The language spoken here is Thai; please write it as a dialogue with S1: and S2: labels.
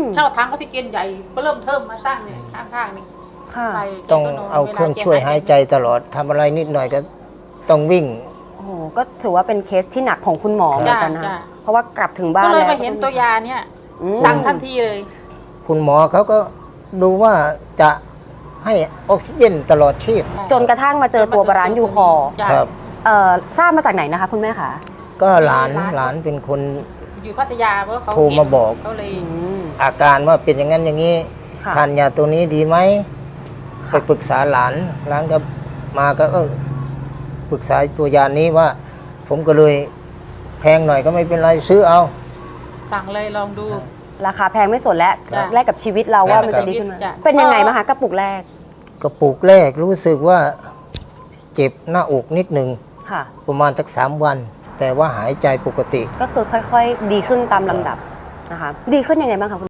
S1: เช่าถังออกซิเจนใหญ่ก็เริ่มเทิมมาตั้งเนี่ยข้างๆนี่ใส่
S2: ต้องเอาเครื่องช่วยหายใจตลอดทำอะไรนิดหน่อยก็ต้องวิ่ง
S3: โอ้โหก็ถือว่าเป็นเคสที่หนักของคุณหมอเหมือนกันนะเพราะว่ากลับถึงบ้าน
S1: ก็เลย
S3: แล้ว
S1: มาเห็นตัวยาเนี่ยสั่งทันทีเลย
S2: คุณหมอเขาก็ดูว่าจะให้ออกซิเจนตลอดชีพ
S3: จนกระทั่งมาเจอตัวบาลานซ์ยูคอร์
S2: ครับ
S3: ทราบมาจากไหนนะคะคุณแม่คะ
S2: ก็หลานเป็นคน
S1: อยู่พัทยาเพราะเขา
S2: โทรมาบอก
S1: เขาเลย
S2: อาการว่าเป็นอย่างนั้นอย่างนี้
S3: ค่ะ
S2: ทานยาตัวนี้ดีไหมไปปรึกษาหลานก็มาก็ปรึกษาตัวยานี้ว่า ผมก็เลยแพงหน่อยก็ไม่เป็นไรซื้อเอา
S1: สั่งเลยลองดู
S3: ราคาแพงไม่สนแล้ว
S1: จ้ะ
S3: แลกกับชีวิตเราว่ามันจะดีขึ้นไหม
S1: จ้ะ
S3: เป็นยังไงบ้างคะกระปุกแรก
S2: กระปุกแรกรู้สึกว่าเจ็บหน้าอกนิดหนึ่ง
S3: ค่ะ
S2: ประมาณสัก3 วัน แต่ว่าหายใจปกติ
S3: ก็คือค่อยๆ ดีขึ้นตามลำดับนะคะดีขึ้นยังไงบ้างคะคุณ